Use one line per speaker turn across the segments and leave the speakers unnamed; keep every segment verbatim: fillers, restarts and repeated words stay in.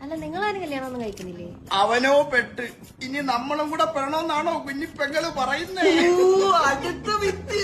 അല്ല നിങ്ങളാരും കല്യാണം ഒന്നും കഴിക്കുന്നില്ലേ?
അവനോ പെട്ട് ഇനി നമ്മളും കൂടെ പെടണമെന്നാണോ കുഞ്ഞിപ്പെങ്ങള് പറയുന്നേ? അടുത്ത വിറ്റ്.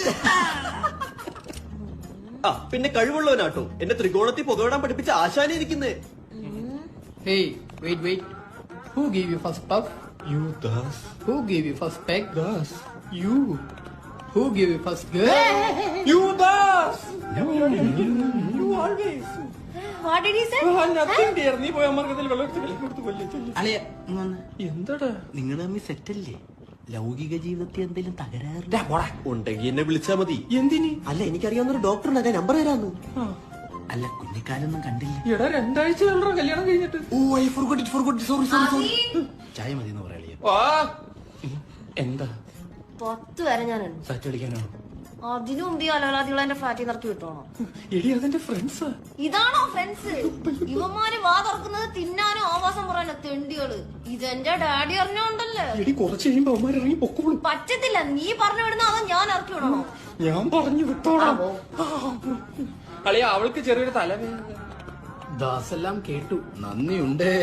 ആ പിന്നെ കഴിവുള്ളവനാട്ടോ എന്നെ ത്രികോണത്തിൽ പുകവിടാൻ പഠിപ്പിച്ച ആശാനെ ഇരിക്കുന്നേ.
Hey, wait, wait. Who gave you first puff?
You Das.
Who gave you first peck?
Das.
You. Who gave you first girl?
You Das. You always.
What did he say?
Nothing dear. നീ പോയ അമ്മർക്കത്തിൽ വെള്ളത്തിൽ കൊടുത്തു കൊല്ലേ.
അളിയ
എന്താടാ
നിങ്ങൾ തമ്മിൽ സെറ്റല്ലേ? ലൗകിക ജീവിതത്തിൽ എന്തെങ്കിലും തകരാറ്
ഉണ്ടെങ്കിൽ എന്നെ വിളിച്ചാ മതി.
എന്തിന്?
അല്ല എനിക്കറിയാവുന്ന ഒരു ഡോക്ടറിനെ ഞാൻ നമ്പർ തരാന്ന്.
അല്ല കുഞ്ഞിക്കാലൊന്നും കണ്ടില്ല.
എടാ രണ്ടാഴ്ച കല്യാണം കഴിഞ്ഞിട്ട്.
Oh I forgot it forgot sorry sorry sorry. ചായ മതി എന്ന് പറയാ.
എന്താ
പത്ത് വരെ ഞാനുണ്ട്.
സാറ്റ് കളിക്കാനാണോ?
അതിനു മുമ്പ് ഈ അലവലാദികൾ എന്റെ ഫ്ലാറ്റിൽ നിറക്കി വിട്ടോണോ?
എടി അതെന്റെ ഫ്രണ്ട്സാ.
ഇതാണോ ഫ്രണ്ട്സ്? ഇവന്മാര് വാ തുറക്കുന്നത് തിന്നാനും ആവാസം പറയാനോ തെണ്ടികള്. ഇതെന്റെ ഡാഡി അറിഞ്ഞോണ്ടല്ലേ.
എടി കുറച്ച് കഴിയുമ്പോ അവന്മാർ ഇറങ്ങി പൊക്കോളും.
പറ്റത്തില്ല, നീ പറഞ്ഞു വിടുന്ന അതോ ഞാൻ ഇറക്കി വിടണോ?
ഞാൻ പറഞ്ഞു വിട്ടോളാം. അളിയ അവൾക്ക് ചെറിയൊരു തലവേദന.
ദാസെല്ലാം കേട്ടു, നന്ദിയുണ്ടേ.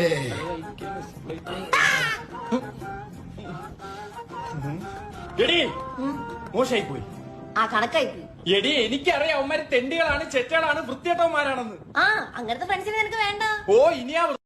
എടി മോശമായി പോയി.
ആ കണക്കായി പോയി.
എടി എനിക്കറിയാം അവന്മാര് തെണ്ടികളാണ്, ചെറ്റകളാണ്, വൃത്തിയേട്ടവന്മാരാണെന്ന്.
ആ അങ്ങനത്തെ ഫ്രണ്ട്സിനെ നിനക്ക് വേണ്ട.
ഓ ഇനിയാ